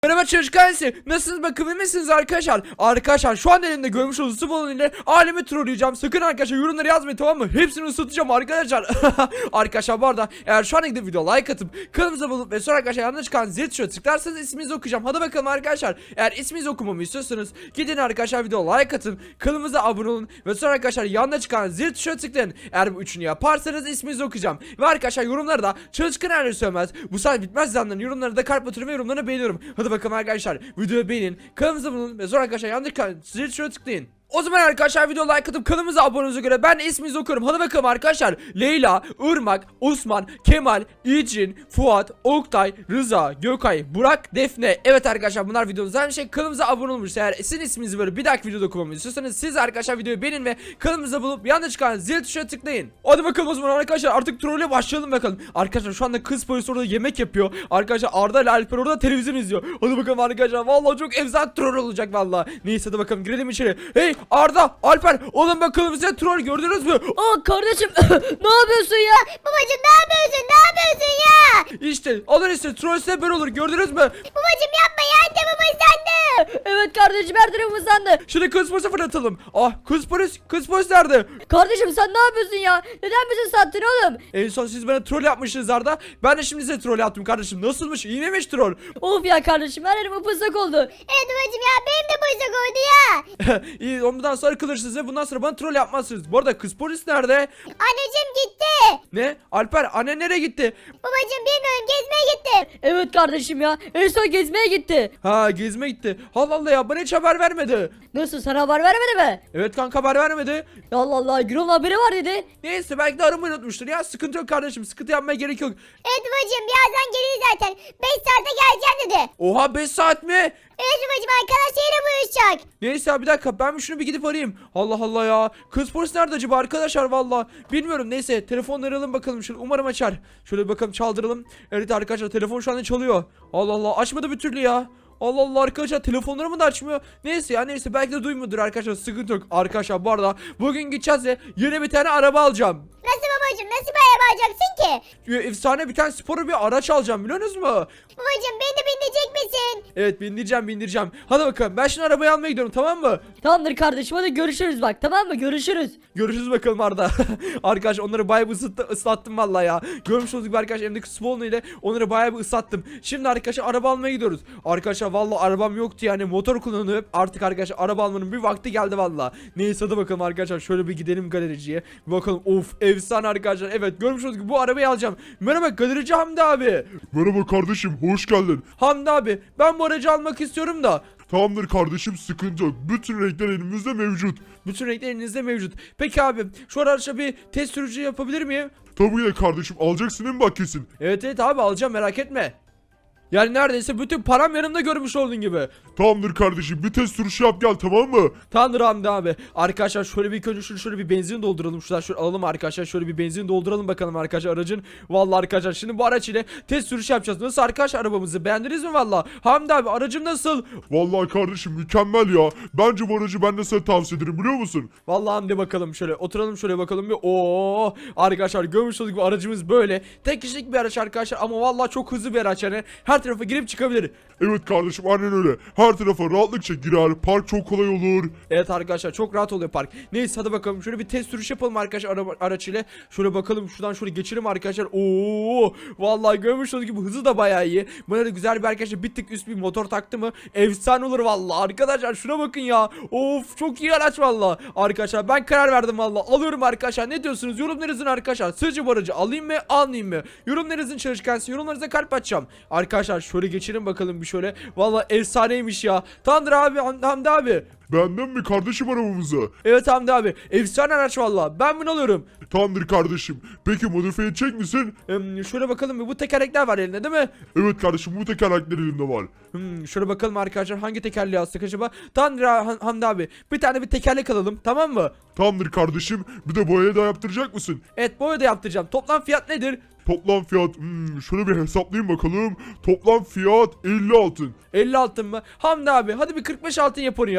Merhaba çocuklar, nasılsınız bakalım, misiniz arkadaşlar? Arkadaşlar şu an elimde görmüş olduğunuz su balonu ile alemi trolleyeceğim. Sakın arkadaşlar yorumları yazmayın, tamam mı? Hepsini ısıtacağım arkadaşlar. Arkadaşlar bu arada eğer şu an gidip video like atıp kanalımıza bulup ve sonra arkadaşlar yanına çıkan zil tuşuna tıklarsanız isminizi okuyacağım. Hadi bakalım arkadaşlar. Eğer isminizi okumamı istiyorsanız gidin arkadaşlar, video like atın, kanalımıza abone olun ve sonra arkadaşlar yanına çıkan zil tuşuna tıklayın. Eğer bu üçünü yaparsanız isminizi okuyacağım. Ve arkadaşlar yorumları da çalışkan her söylemez. Bu saat bitmez zanların yorumlarını da kalp atıyorum ve yorumlarını beğeniyorum. Hadi bakalım arkadaşlar, videoyu beğenin, kanalımıza bulun ve sonra arkadaşlar yandaki zil tuşuna tıklayın. O zaman arkadaşlar video like atıp kanalımıza abone olduğunuza göre ben de isminizi okuyorum. Hadi bakalım arkadaşlar. Leyla, Irmak, Osman, Kemal, İcin, Fuat, Oktay, Rıza, Gökay, Burak, Defne. Evet arkadaşlar, bunlar videomuzda aynı şey. Kanalımıza abone olmuş. Eğer sizin isminizi böyle bir dahaki videoda okumamı istiyorsanız siz arkadaşlar videoyu beğenin ve kanalımıza bulup yanında çıkan zil tuşuna tıklayın. Hadi bakalım o zaman arkadaşlar, artık trolle başlayalım bakalım. Arkadaşlar şu anda kız polis orada yemek yapıyor. Arkadaşlar Arda ile Alper orada televizyon izliyor. Hadi bakalım arkadaşlar, vallahi çok efsane troll olacak vallahi. Neyse hadi bakalım, girelim içeri. Hey Arda, Alper, oğlum bakalım size troll gördünüz mü? Aa kardeşim ne yapıyorsun ya? Babacım ne yapıyorsun? Ne yapıyorsun ya? İşte alın işte, troll size böyle olur, gördünüz mü? Babacım yapma ya, annem ıslandı. Evet kardeşim, her tarafım ıslandı. Şimdi kız polisi fırlatalım. Ah, kız polis nerede? Kardeşim sen ne yapıyorsun ya? Neden bizi sattın oğlum? En son siz bana troll yapmışsınız Arda. Ben de şimdi size troll yaptım kardeşim. Nasılmış? İyi miymiş troll? Of ya kardeşim, her yerim ıpıslak oldu. Evet babacım ya, benim de boşluk oldu ya. İyi, ondan sonra kılırsınız ve bundan sonra bana troll yapmazsınız. Bu arada kız polis nerede? Anneciğim gitti. Ne? Alper, annen nereye gitti? Babacım bilmiyorum, gezmeye gitti. Evet kardeşim ya, en son gezmeye gitti. Ha, gezmeye gitti. Allah Allah ya, bana hiç haber vermedi. Nasıl, sana haber vermedi mi? Evet kanka, haber vermedi. Ya Allah Allah, Gürol'un haberi var dedi. Neyse, belki de aramayı unutmuştur ya. Sıkıntı yok kardeşim, sıkıntı yapmaya gerek yok. Evet babacım, birazdan gelir zaten. 5 saate geleceğim dedi. Oha, 5 saat mi? Evet babacım, arkadaşlarıyla buluşacak. Neyse ya, bir dakika, ben şunu bir gidip arayayım. Allah Allah ya. Kız polis nerede acaba arkadaşlar, valla bilmiyorum. Neyse, telefonları alalım bakalım. Şöyle umarım açar. Şöyle bir bakalım, çaldıralım. Evet arkadaşlar, telefon şu anda çalıyor. Allah Allah, açmadı bir türlü ya. Allah Allah arkadaşlar, telefonlarımı da açmıyor. Neyse ya, neyse, belki de duymuyordur arkadaşlar, sıkıntı yok. Arkadaşlar bu arada bugün gideceğiz ve yeni bir tane araba alacağım. Nasıl babacım, nasıl bir araba alacaksın ki? Efsane bir tane spor bir araç alacağım, biliyorsunuz mu? Babacım beni de bindirecek misin? Evet, bindireceğim. Hadi bakalım, ben şimdi arabayı almaya gidiyorum, tamam mı? Tamamdır kardeşim, hadi görüşürüz bak, tamam mı? Görüşürüz. Görüşürüz bakalım Arda. Arkadaş onları bayağı bir ıslattım vallahi ya. Görmüş olduğunuz gibi arkadaşlar, elimdeki spawn ile onları bayağı bir ıslattım. Şimdi arkadaşlar araba almaya gidiyoruz. Arkadaşlar vallahi arabam yoktu, yani motor kullanıp artık arkadaşlar araba almanın bir vakti geldi vallahi. Neyse hadi bakalım arkadaşlar, şöyle bir gidelim galericiye. Bir bakalım, of efsane arkadaşlar. Evet, görmüş olduğunuz gibi bu arabayı alacağım. Merhaba galerici Hamdi abi. Merhaba kardeşim, hoş geldin. Hamdi abi, ben bu aracı almak istiyorum da. Tamamdır kardeşim, sıkıntı yok. Bütün renkler elimizde mevcut. Bütün renkler elinizde mevcut. Peki abi, şu araçla bir test sürücü yapabilir miyim? Tabii ki de kardeşim, alacaksın değil mi bak kesin? Evet abi, alacağım, merak etme. Yani neredeyse bütün param yanımda, görmüş olduğun gibi. Tamamdır kardeşim, bir test sürüşü yap gel, tamam mı? Tamamdır Hamdi abi. Arkadaşlar şöyle bir ilk önce şöyle bir benzin dolduralım. Şöyle alalım arkadaşlar. Şöyle bir benzin dolduralım bakalım arkadaşlar aracın. Vallahi arkadaşlar, şimdi bu araç ile test sürüşü yapacağız. Nasıl arkadaşlar, arabamızı beğendiniz mi valla? Hamdi abi, aracım nasıl? Vallahi kardeşim mükemmel ya. Bence bu aracı ben de sana tavsiye ederim, biliyor musun? Vallahi Hamdi, bakalım şöyle oturalım, şöyle bakalım bir. Oo arkadaşlar, görmüş olduk, bu aracımız böyle. Tek kişilik bir araç arkadaşlar ama vallahi çok hızlı bir araç yani. Her tarafa girip çıkabilir. Evet kardeşim, aynen öyle. Her tarafa rahatlıkça girer, park çok kolay olur. Evet arkadaşlar, çok rahat oluyor park. Neyse hadi bakalım, şöyle bir test sürüş yapalım arkadaşlar araç ile. Şöyle bakalım, şuradan şöyle geçelim arkadaşlar. Oo vallahi görmüş olduğunuz gibi hızı da bayağı iyi. Buna da güzel bir arkadaşlar bir tık üst bir motor taktı mı efsane olur vallahi arkadaşlar, şuna bakın ya. Of, çok iyi araç vallahi. Arkadaşlar ben karar verdim vallahi, alıyorum arkadaşlar. Ne diyorsunuz, yorumlarınızın arkadaşlar, sizce bu aracı alayım mı almayayım mı? Yorumlarınızın çalışkansı, yorumlarınıza kalp açacağım. Arkadaşlar şöyle geçelim bakalım bir şöyle. Vallahi efsaneymiş ya. Tamamdır abi, Hamdi abi. Beğendin mi kardeşim arabamızı? Evet Hamdi abi, efsane araç valla, ben bunu alıyorum. Tamamdır kardeşim. Peki modifiye edecek misin? Şöyle bakalım bir, bu tekerlekler var elinde değil mi? Evet kardeşim, bu tekerlekler elimde var. Şöyle bakalım arkadaşlar, hangi tekerleği alsak acaba? Tamamdır Hamdi abi, bir tane bir tekerlek alalım, tamam mı? Tamamdır kardeşim. Bir de boyayı da yaptıracak mısın? Evet, boya da yaptıracağım. Toplam fiyat nedir? Toplam fiyat şöyle bir hesaplayayım bakalım. Toplam fiyat 50 altın. 50 altın mı? Hamdi abi, hadi bir 45 altın yap onu ya.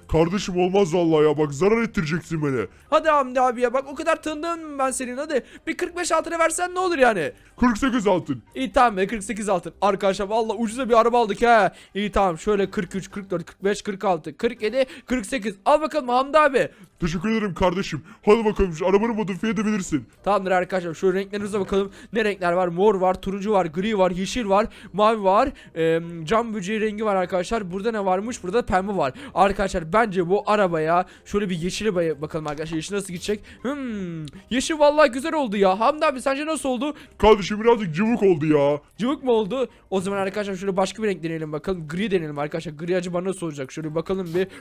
Kardeşim olmaz vallahi ya, bak zarar ettireceksin beni. Hadi Hamdi abi ya, bak o kadar tanıdığım ben senin, hadi bir 45 altına versen ne olur yani. 48 altın. İyi tamam be, 48 altın. Arkadaşlar valla ucuza bir araba aldık ha. İyi tamam, şöyle 43, 44, 45, 46, 47, 48. Al bakalım Hamdi abi. Teşekkür ederim kardeşim. Hadi bakalım şu arabanı modifiye edebilirsin. Tamamdır arkadaşlar, şu renklerimize bakalım. Ne renkler var? Mor var, turuncu var, gri var, yeşil var, mavi var. Cam böceği rengi var arkadaşlar. Burada ne varmış? Burada pembe var. Arkadaşlar bence bu arabaya şöyle bir yeşile bakalım arkadaşlar. Yeşil nasıl gidecek? Yeşil vallahi güzel oldu ya. Hamdi abi sence nasıl oldu? Kardeşim birazcık cıvık oldu ya. Cıvık mı oldu? O zaman arkadaşlar şöyle başka bir renk deneyelim bakalım. Gri deneyelim arkadaşlar. Gri acaba nasıl olacak? Şöyle bakalım bir.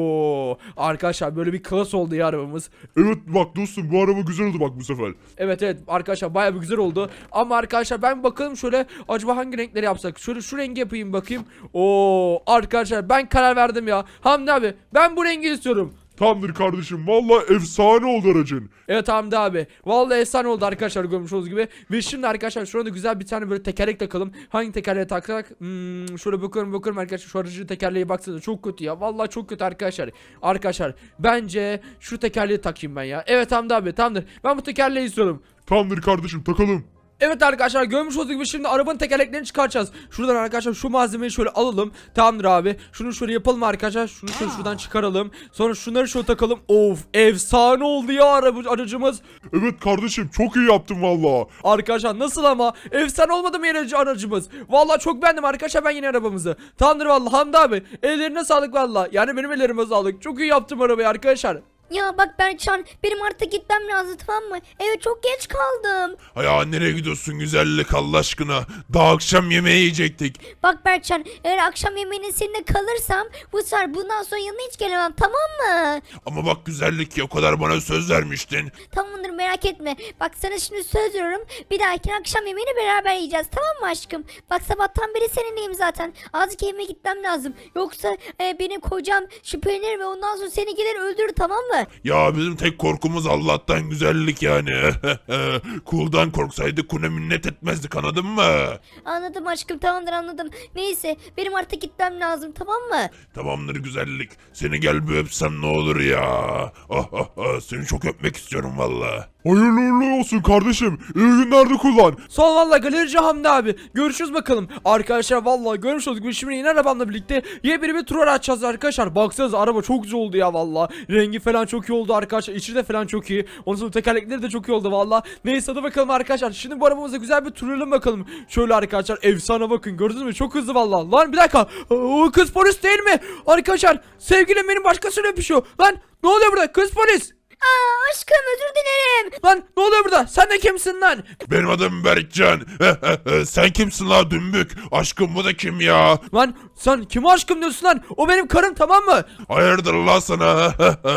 Oo, arkadaşlar böyle bir klas oldu ya arabamız. Evet bak dostum, bu araba güzel oldu bak bu sefer. Evet arkadaşlar bayağı bir güzel oldu. Ama arkadaşlar ben bakalım şöyle acaba hangi renkleri yapsak? Şöyle şu rengi yapayım bakayım. Oo, arkadaşlar ben karar verdim ya. Hamdi abi ben bu rengi istiyorum. Tamamdır kardeşim, vallahi efsane oldu aracın. Evet Hamdi abi. Vallahi efsane oldu arkadaşlar, görmüş olduğunuz gibi. Ve şimdi arkadaşlar şurada güzel bir tane böyle tekerlek takalım. Hangi tekerleğe taksak? Şöyle bakıyorum arkadaşlar. Şu aracın tekerleği baksanıza çok kötü ya. Vallahi çok kötü arkadaşlar. Arkadaşlar bence şu tekerleği takayım ben ya. Evet Hamdi abi, tamamdır. Ben bu tekerleği istiyorum. Tamamdır kardeşim, takalım. Evet arkadaşlar, görmüş olduğunuz gibi şimdi arabanın tekerleklerini çıkaracağız. Şuradan arkadaşlar şu malzemeyi şöyle alalım. Tamamdır abi. Şunu şöyle yapalım arkadaşlar. Şunu şöyle şuradan çıkaralım. Sonra şunları şöyle takalım. Of, efsane oldu ya aracımız. Evet kardeşim, çok iyi yaptın vallahi. Arkadaşlar nasıl ama? Efsane olmadı mı yeni aracımız? Vallahi çok beğendim arkadaşlar ben yeni arabamızı. Tamamdır vallahi Hamdi abi. Ellerine sağlık vallahi. Yani benim ellerime sağlık. Çok iyi yaptım arabayı arkadaşlar. Ya bak Berkcan, benim artık gitmem lazım, tamam mı? Evet, çok geç kaldım. Ya nereye gidiyorsun güzellik Allah aşkına? Daha akşam yemeği yiyecektik. Bak Berkcan, eğer akşam yemeğinin seninle kalırsam bu sefer bundan sonra yanına hiç gelemem, tamam mı? Ama bak güzellik ya, o kadar bana söz vermiştin. Tamamdır, merak etme. Bak sana şimdi söz veriyorum. Bir dahaki akşam yemeğini beraber yiyeceğiz, tamam mı aşkım? Bak sabahtan beri seninleyim zaten. Azıcık evime gitmem lazım. Yoksa benim kocam şüphelenir ve ondan sonra seni gelir öldürür, tamam mı? Ya bizim tek korkumuz Allah'tan güzellik yani. Kuldan korksaydık kune minnet etmezdik, anladın mı? Anladım aşkım, tamamdır, anladım. Neyse, benim artık gitmem lazım, tamam mı? Tamamdır güzellik. Seni gel bir öpsem ne olur ya. Seni çok öpmek istiyorum valla. Hayırlı uğurlu olsun kardeşim. İyi günlerde kullan. Son vallahi galerici Hamdi abi. Görüşürüz bakalım. Arkadaşlar vallahi görmüş olduk. Biz şimdi yine arabamla birlikte yepyeni bir tur açacağız arkadaşlar. Baksanıza araba çok güzel oldu ya vallahi. Rengi falan çok iyi oldu arkadaşlar. İçi de falan çok iyi. Onun sonra tekerlekleri de çok iyi oldu vallahi. Neyse hadi bakalım arkadaşlar. Şimdi bu arabamıza güzel bir turlayalım bakalım. Şöyle arkadaşlar, efsane bakın. Gördünüz mü? Çok hızlı vallahi. Lan bir dakika. O kız polis değil mi? Arkadaşlar sevgilim benim başkasıyla öpüşüyor. Lan ne oluyor burada? Kız polis. Aşkım, özür dilerim. Lan ne oluyor burada? Sen de kimsin lan? Benim adım Berkcan. Sen kimsin la dümbük? Aşkım bu da kim ya? Lan sen kime aşkım diyorsun lan? O benim karım, tamam mı? Hayırdır la sana?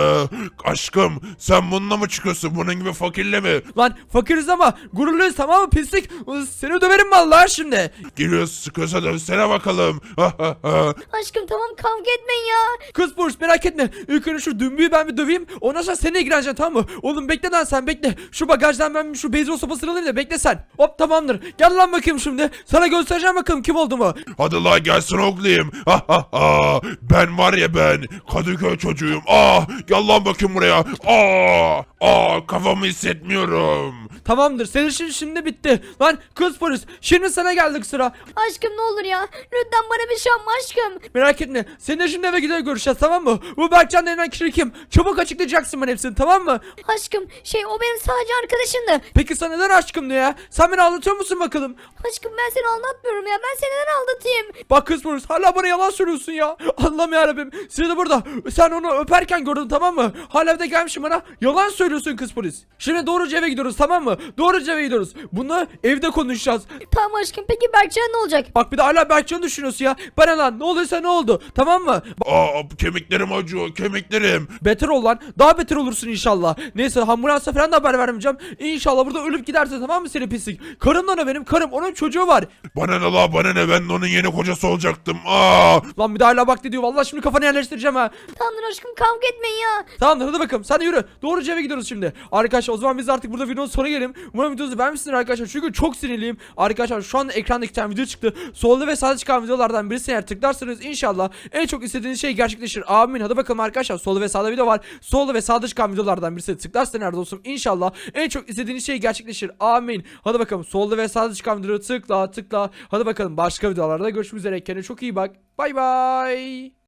Aşkım sen bununla mı çıkıyorsun? Bunun gibi fakirle mi? Lan fakiriz ama gururluyuz, tamam mı pislik? Seni döverim vallahi şimdi. Giriyorsun sıkıyorsa dövsene bakalım. Aşkım tamam, kavga etmeyin ya. Kız polis merak etme. İlk önce şu dümbüyü ben bir döveyim. Ondan sonra seninle ilgileneceğim, tamam mı? Oğlum bekle lan, sen bekle. Şu bagajdan ben şu beyzbol sopasını alayım da bekle sen. Hop tamamdır. Gel lan bakayım şimdi. Sana göstereceğim bakalım kim olduğumu. Hadi la gelsin oğlum. Ben var ya ben. Kadıköy çocuğuyum. Gel lan bakayım buraya. Kafamı hissetmiyorum. Tamamdır. Senin işin şimdi bitti. Lan kız polis. Şimdi sana geldik sıra. Aşkım ne olur ya. Lütfen bana bir şey yapma aşkım. Merak etme. Seninle şimdi eve gider görüşeceğiz, tamam mı? Bu Berkcan denilen kişi kim? Çabuk açıklayacaksın bana hepsini, tamam mı? Aşkım o benim sadece arkadaşımdı. Peki sen neden aşkım diyor ya? Sen beni aldatıyor musun bakalım? Aşkım ben seni aldatmıyorum ya. Ben seni neden aldatayım? Bak kız polis, hala bana yalan söylüyorsun ya. Allah'ım yarabbim. Seni de burada. Sen onu öperken gördün, tamam mı? Hala evde gelmişim bana. Yalan söylüyorsun kız polis. Şimdi doğruca eve gidiyoruz, tamam mı? Doğruca eve gidiyoruz. Bunu evde konuşacağız. Tamam aşkım, peki Berkcan ne olacak? Bak bir de hala Berkcan'ı düşünüyorsun ya. Bana lan ne olduysa ne oldu, tamam mı? Kemiklerim acıyor, kemiklerim. Beter ol lan. Daha beter olursun inşallah. Neyse ambulansa falan da haber vermeyeceğim. İnşallah burada ölüp giderse, tamam mı seni pislik? Karım da ne benim karım, onun çocuğu var. Bana ne la bana ne, ben de onun yeni kocası olacaktım. Aa! Lan bir daha hala bak diyor. Vallahi şimdi kafanı yerleştireceğim ha. Tamamdır aşkım, kavga etmeyin ya. Tamamdır, hadi bakalım sen de yürü. Doğruca eve gidiyoruz şimdi. Arkadaşlar o zaman biz artık burada videonun sonuna gelelim. Umarım videonuzu beğenmişsiniz arkadaşlar. Çünkü çok sinirliyim. Arkadaşlar şu anda ekranda 2 tane video çıktı. Solda ve sağda çıkan videolardan birisine eğer tıklarsanız inşallah en çok istediğiniz şey gerçekleşir. Amin. Hadi bakalım arkadaşlar. Solda ve sağda video var. Solda ve sağda çıkan videolardan birisine tıklarsanız nerede olsun inşallah en çok istediğiniz şey gerçekleşir. Amin. Hadi bakalım solda ve sağda çıkan videoları tıkla. Hadi bakalım başka videolarda görüşmek üzere. Kendine çok iyi bak. Bay bay.